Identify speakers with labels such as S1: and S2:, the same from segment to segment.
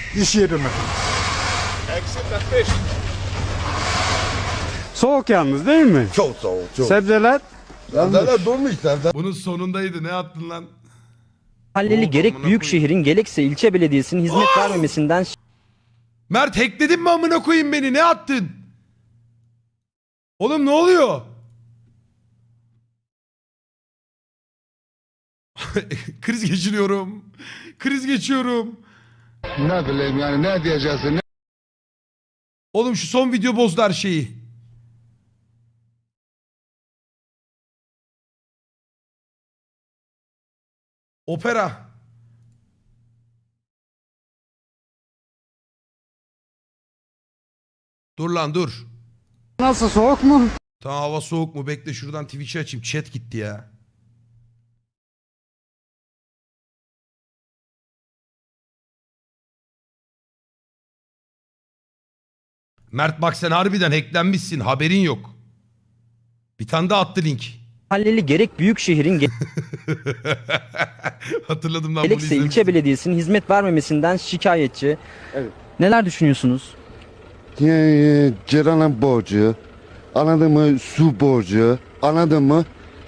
S1: İş yerimi.
S2: Exit the fish.
S1: Soğuk yalnız değil mi?
S3: Çok soğuk, çok.
S1: Sebzeler
S3: Sebzeler durmuş, sebze.
S4: Bunun sonundaydı. Ne attın lan?
S5: Mahalleli
S4: Oldu,
S5: gerek
S4: amına
S5: büyük
S4: koyayım.
S5: şehrin gerekse ilçe belediyesinin hizmet vermemesinden
S4: Mert hackledin mi amına koyayım beni? Ne attın? Oğlum ne oluyor? Kriz geçiriyorum. Kriz geçiyorum.
S3: Ne bileyim yani, ne diyeceksin, ne...
S4: Oğlum şu son video bozdu her şeyi. Opera. Dur lan dur.
S1: nasıl, soğuk mu?
S4: Tamam, hava soğuk mu? Bekle şuradan Twitch'i açayım. Chat gitti ya. Mert bak sen harbiden hacklenmişsin. Haberin yok. Bir tane daha attı link.
S5: mahalleli gerek büyük şehrin
S4: Hatırladım lan bunu
S5: gerekse ilçe
S4: izlemiştim.
S5: belediyesinin hizmet vermemesinden şikayetçi.
S1: Evet.
S5: Neler düşünüyorsunuz?
S3: Ciranın borcu, anladın mı? Su borcu, anladın mı?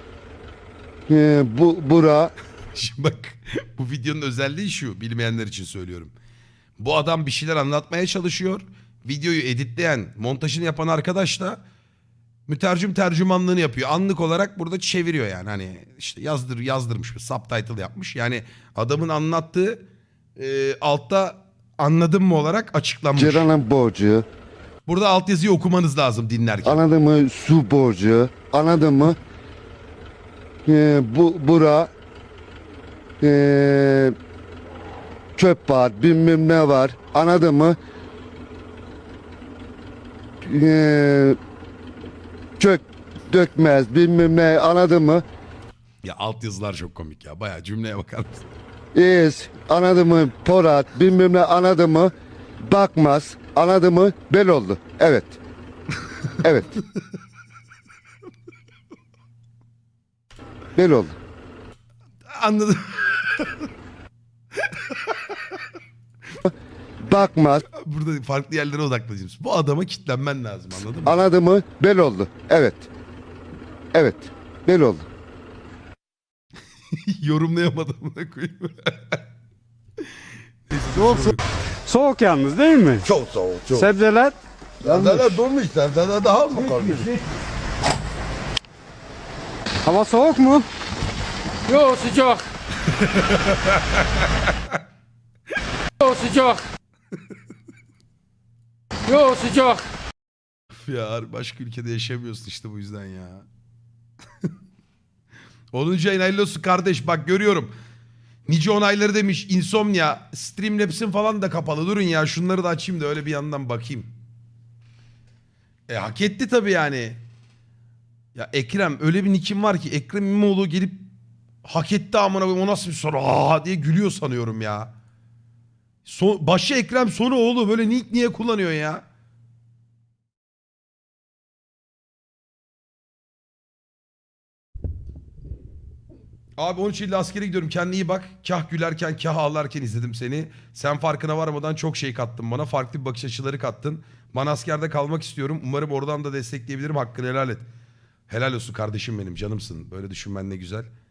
S3: Bura...
S4: Şimdi bak bu videonun özelliği şu, bilmeyenler için söylüyorum. Bu adam bir şeyler anlatmaya çalışıyor. Videoyu editleyen, montajını yapan arkadaş da mütercim tercümanlığını yapıyor. Anlık olarak burada çeviriyor yani. Hani işte yazdırmış bir subtitle yapmış. Yani adamın anlattığı altta anladın mı olarak açıklanmış.
S3: Ciranın borcu,
S4: Burada altyazıyı okumanız lazım dinlerken.
S3: anladın mı? Su borcu, anladın mı? Bura... çöp var, bilmem ne var, anladın mı? Çök dökmez, bilmem ne, anladın mı?
S4: Ya altyazılar çok komik ya. Bayağı cümleye bakar mısın?
S3: Anladın mı? Porat, bilmem ne, anladın mı? Bakmaz, anladın mı? Bel oldu. Evet. Evet. Bel oldu.
S4: Anladım.
S3: Bakmaz,
S4: Burada farklı yerlere odaklanacağım. Bu adama kitlenmen lazım, anladın mı?
S3: anladın mı? Bel oldu. Evet. Evet. Bel oldu.
S4: Yorumlayamadım buna koyayım.
S1: Soğuk yalnız değil mi?
S3: Çok soğuk, çok.
S1: Sebzeler
S3: Sebzeler durmuş, sebzeler daha mı kalmış?
S1: hava soğuk mu?
S6: Yo sıcak. Yo sıcak. Yo sıcak.
S4: Ya başka ülkede yaşamıyorsun işte bu yüzden ya. 10. ayın hayırlı olsun kardeş, bak görüyorum. Nice onayları demiş. Insomnia. Streamlabs'in falan da kapalı. Durun ya şunları da açayım da öyle bir yandan bakayım. Hak etti tabii yani. Ya Ekrem, öyle bir nickim var ki Ekrem İmamoğlu gelip hak etti amına koyayım, o nasıl bir soru diye gülüyor sanıyorum ya. Başı Ekrem sonu oğlu, böyle nick niye kullanıyor ya? Abi 13 Eylül'de askere gidiyorum. Kendine iyi bak. Kah gülerken kah ağlarken izledim seni. Sen farkına varmadan çok şey kattın bana. Farklı bir bakış açıları kattın. Ben askerde kalmak istiyorum. Umarım oradan da destekleyebilirim. Hakkını helal et. Helal olsun kardeşim benim. Canımsın. Böyle düşünmen ne güzel.